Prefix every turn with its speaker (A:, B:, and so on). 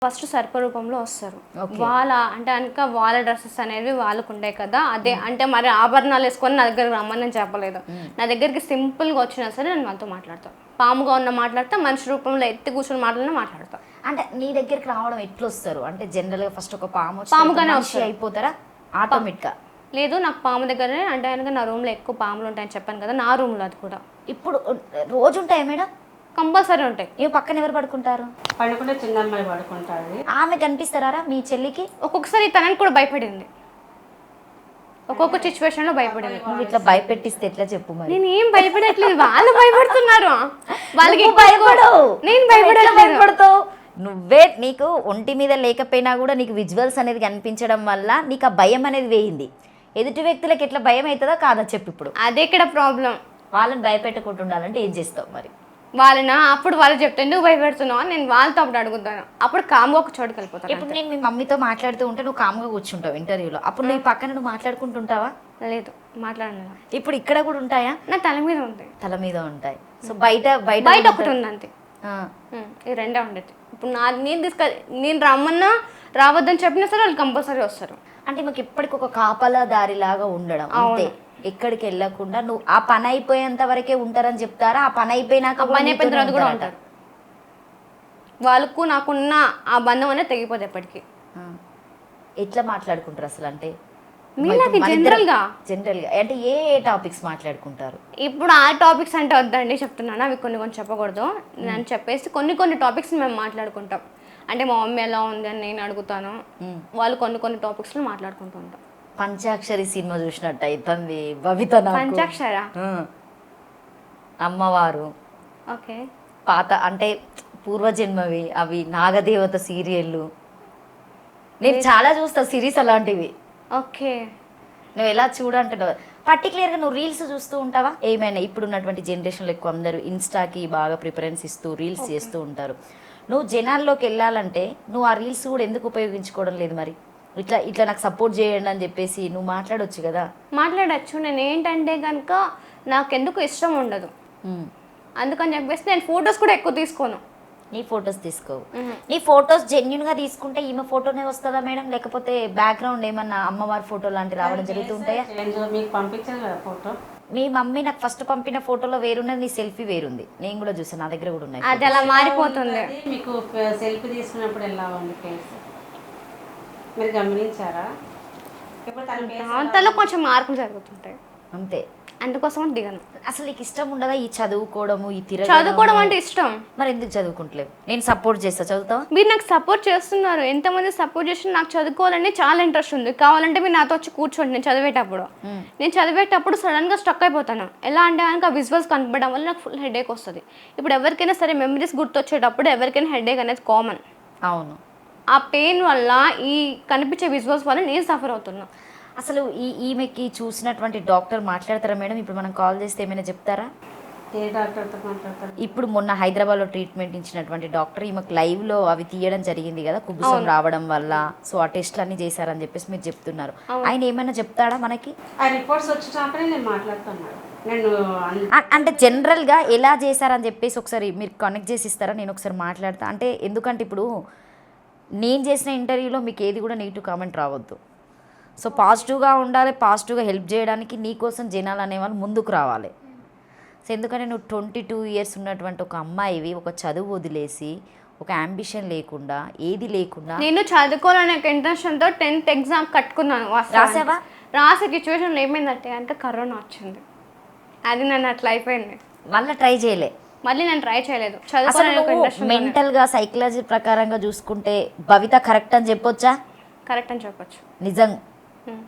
A: First సర్ప రూపంలో వస్తారు. వాళ్ళ అంటే కనుక వాళ్ళ డ్రెస్సెస్ అనేవి వాళ్ళకు ఉంటాయి కదా, అదే అంటే మరి ఆభరణాలు వేసుకొని నా దగ్గరకు రమ్మని నేను చెప్పలేదు. నా దగ్గరికి సింపుల్గా వచ్చినా సరే నేను వాళ్ళతో మాట్లాడతాను. పాముగా ఉన్న మాట్లాడతా, మనిషి రూపంలో ఎత్తి కూర్చొని మాట్లాడతా.
B: అంటే నీ దగ్గరికి రావడం ఎట్లా వస్తారు? అంటే జనరల్గా ఫస్ట్ ఒక
A: పాముగానే
B: అయిపోతారా ఆటోమేటిక్గా?
A: లేదు, నాకు పాము దగ్గరనే అంటే కనుక నా రూమ్లో ఎక్కువ పాములు ఉంటాయని చెప్పాను కదా, నా రూమ్లో అది కూడా.
B: ఇప్పుడు రోజు ఉంటాయా మేడం?
A: కంపల్సరీ ఉంటాయి.
B: ఏ పక్కన ఎవరు పడుకుంటారు?
C: పడుకుంటే చిన్న అమ్మాయి పడుకుంటారు.
B: ఆమె కనిపిస్తారా మీ చెల్లికి?
A: ఒక్కొక్కసారి తనని కూడా భయపడింది, ఒక్కొక్క సిచ్యువేషన్ లో భయపడింది.
B: నువ్వు ఇట్లా భయపెట్టిస్తే ఎట్లా చెప్పు మరి?
A: నేను ఏం భయపడట్లేదు, వాళ్ళు భయపడుతున్నారు. వాళ్ళకి
B: భయపడవు,
A: నేను భయపడట్లేదు.
B: నువ్వే నీకు ఒంటి మీద లేకపోయినా కూడా నీకు విజువల్స్ అనేది కనిపించడం వల్ల నీకు ఆ భయం అనేది వేయింది. ఎదుటి వ్యక్తులకు ఎట్లా భయం అవుతుందో కాదా చెప్పు ఇప్పుడు.
A: అదే ఇక్కడ ప్రాబ్లం.
B: వాళ్ళని భయపెట్టకుండా ఉండాలంటే ఏం చేస్తావు మరి?
A: వాళ్ళనా అప్పుడు వాళ్ళు చెప్తే ఎందుకు భయపెడుతున్నావు, నేను వాళ్ళతో అప్పుడు అడుగుతాను. అప్పుడు కామ్గా ఒక చోటుకి వెళ్ళిపోతాను.
B: ఇప్పుడు నేను మీ మమ్మీతో మాట్లాడుతూ ఉంటే నువ్వు కామ్గా కూర్చుంటావు ఇంటర్వ్యూలో, అప్పుడు నువ్వు పక్కన నువ్వు మాట్లాడుకుంటుంటావా?
A: లేదు, మాట్లాడను.
B: ఇప్పుడు ఇక్కడ కూడా ఉంటాయా?
A: నా తల మీద ఉంటాయి.
B: తల మీద ఉంటాయి. సో బయట బయట
A: బయట ఒకటి ఉంది అంతే. ఈ రెండే ఉండేది. ఇప్పుడు నేను రమ్మన్నా రావద్దని చెప్పినా సరే వాళ్ళు కంపల్సరీ వస్తారు.
B: అంటే మాకు ఇప్పటికి ఒక కాపలా దారిలాగా ఉండడం అంతే. ఎక్కడికి వెళ్ళకుండా నువ్వు ఆ పని అయిపోయేంత వరకే ఉంటారని చెప్తారా? ఆ పని అయిపోయినాక
A: పని అయిపోయిన తర్వాత కూడా ఉంటారు. వాళ్ళకు నాకున్న ఆ బంధం అనేది తెగిపోతుంది ఎప్పటికీ.
B: ఎట్లా మాట్లాడుకుంటారు అసలు? అంటే
A: జనరల్ గా
B: అంటే ఏ టాపిక్స్ మాట్లాడుకుంటారు?
A: ఇప్పుడు ఆ టాపిక్స్ అంటే వద్దండి చెప్తున్నాను, అవి కొన్ని చెప్పకూడదు. నేను చెప్పేసి కొన్ని టాపిక్స్ మేము మాట్లాడుకుంటాం. అంటే మా మమ్మీ ఎలా ఉంది అని నేను అడుగుతాను, వాళ్ళు కొన్ని టాపిక్స్ లో మాట్లాడుకుంటూ ఉంటాం.
B: పంచాక్షరి సినిమా చూసినట్టు అవుతుంది బబిత.
A: పంచాక్షర
B: అమ్మవారు
A: ఓకే,
B: పాత అంటే పూర్వజన్మవి, అవి నాగదేవత సీరియళ్ళు నేను చాలా చూస్తా సిరీస్ అలాంటివి.
A: ఓకే,
B: నువ్వు ఎలా చూడంటున్నావు? పర్టికులర్గా నువ్వు రీల్స్ చూస్తూ ఉంటావా? ఏమైనా ఇప్పుడు ఉన్నటువంటి జనరేషన్లో ఎక్కువ అందరూ ఇన్స్టాకి బాగా ప్రిఫరెన్స్ ఇస్తూ రీల్స్ చేస్తూ ఉంటారు. నువ్వు జనాల్లోకి వెళ్ళాలంటే నువ్వు ఆ రీల్స్ కూడా ఎందుకు ఉపయోగించుకోవడం లేదు మరి? ఇట్లా నాకు సపోర్ట్ చేయండి అని చెప్పేసి నువ్వు మాట్లాడొచ్చు కదా.
A: మాట్లాడచ్చు. నేను ఏంటంటే కనుక నాకెందుకు ఇష్టం ఉండదు, అందుకని చెప్పేసి నేను ఫొటోస్ కూడా ఎక్కువ తీసుకోను.
B: నీ ఫొటోస్ తీసుకోవు? నీ ఫొటోస్ జెన్యున్గా తీసుకుంటే ఈమె ఫోటోనే వస్తుందా మేడం? లేకపోతే బ్యాక్గ్రౌండ్ ఏమన్నా అమ్మవారి ఫోటో లాంటి రావడం జరుగుతుంటాయా?
C: మీకు పంపించాను కదా ఫోటో.
B: మీ మమ్మీ నాకు ఫస్ట్ పంపిన ఫోటోలో వేరున్నది, నీ సెల్ఫీ వేరుంది. నేను కూడా చూసాను, నా దగ్గర కూడా ఉన్నాయి.
A: అది అలా మారిపోతుంది.
C: మీకు సెల్ఫీ తీసుకున్నప్పుడు ఎలా ఉంది ఫేస్, మీరు గమనించారా?
A: అంతలో కొంచెం మార్పులు జరుగుతుంటాయి
B: అంతే,
A: అందుకోసం దిగను.
B: అసలు నీకు ఇష్టం ఉండదా ఈ చదువుకోవడము, ఈ
A: చదువుకోవడం అంటే ఇష్టం?
B: మరి ఎందుకు చదువుకుంటలేవు? నేను సపోర్ట్ చేస్తా, చదువుతావా?
A: మీరు నాకు సపోర్ట్ చేస్తున్నారు, ఎంతమంది సపోర్ట్ చేసి నాకు చదువుకోవాలని చాలా ఇంట్రెస్ట్ ఉంది. కావాలంటే మీరు నాతో వచ్చి కూర్చోండి. నేను చదివేటప్పుడు సడన్ గా స్టక్ అయిపోతాను. ఎలా అంటే కనుక విజువల్స్ కనపడడం వల్ల నాకు ఫుల్ హెడేక్ వస్తుంది. ఇప్పుడు ఎవరికైనా సరే మెమరీస్ గుర్తొచ్చేటప్పుడు ఎవరికైనా హెడేక్ అనేది కామన్.
B: అవును,
A: ఆ పెయిన్ వల్ల ఈ కనిపించే విజువల్స్ వల్ల నేను సఫర్ అవుతున్నా.
B: అసలు ఈమెకి చూసినటువంటి డాక్టర్ మాట్లాడతారా మేడం? ఇప్పుడు మనం కాల్ చేస్తే ఏమైనా చెప్తారా?
C: ఏ డాక్టర్తో మాట్లాడతారు?
B: ఇప్పుడు మొన్న హైదరాబాద్లో ట్రీట్మెంట్ ఇచ్చినటువంటి డాక్టర్ ఈమెకు లైవ్లో అవి తీయడం జరిగింది కదా, కుబుసం రావడం వల్ల. సో ఆ టెస్ట్లు అన్ని చేశారని చెప్పేసి మీరు చెప్తున్నారు. ఆయన ఏమైనా చెప్తాడా మనకి?
C: ఆ రిపోర్ట్స్ వచ్చినప్పుడే నేను మాట్లాడుతున్నాను.
B: అంటే జనరల్గా ఎలా చేశారని చెప్పేసి ఒకసారి మీరు కనెక్ట్ చేసి ఇస్తారా? నేను ఒకసారి మాట్లాడతా. అంటే ఎందుకంటే ఇప్పుడు నేను చేసిన ఇంటర్వ్యూలో మీకు ఏది కూడా నెగిటివ్ కామెంట్ రావద్దు. సో పాజిటివ్గా ఉండాలి, పాజిటివ్గా హెల్ప్ చేయడానికి నీకోసం జనాలు అనేవాళ్ళు ముందుకు రావాలి. సో ఎందుకంటే నువ్వు 22 years ఉన్నటువంటి ఒక అమ్మాయివి, ఒక చదువు వదిలేసి, ఒక అంబిషన్ లేకుండా, ఏది లేకుండా.
A: నేను చదువుకోవాలనే ఇంటెన్షన్తో 10th ఎగ్జామ్ కట్టుకున్నాను.
B: రాసావా?
A: రాసే సిచ్యువేషన్లో ఏమైందంటే అంటే కరోనా వచ్చింది, అది నన్ను అట్లా అయిపోయింది.
B: మళ్ళీ ట్రై చేయలే?
A: మళ్ళీ నేను ట్రై చేయలేదు.
B: మెంటల్గా సైకలాజీ ప్రకారంగా చూసుకుంటే భవిత కరెక్ట్ అని చెప్పొచ్చా?
A: కరెక్ట్ అని చెప్పొచ్చు.
B: నిజం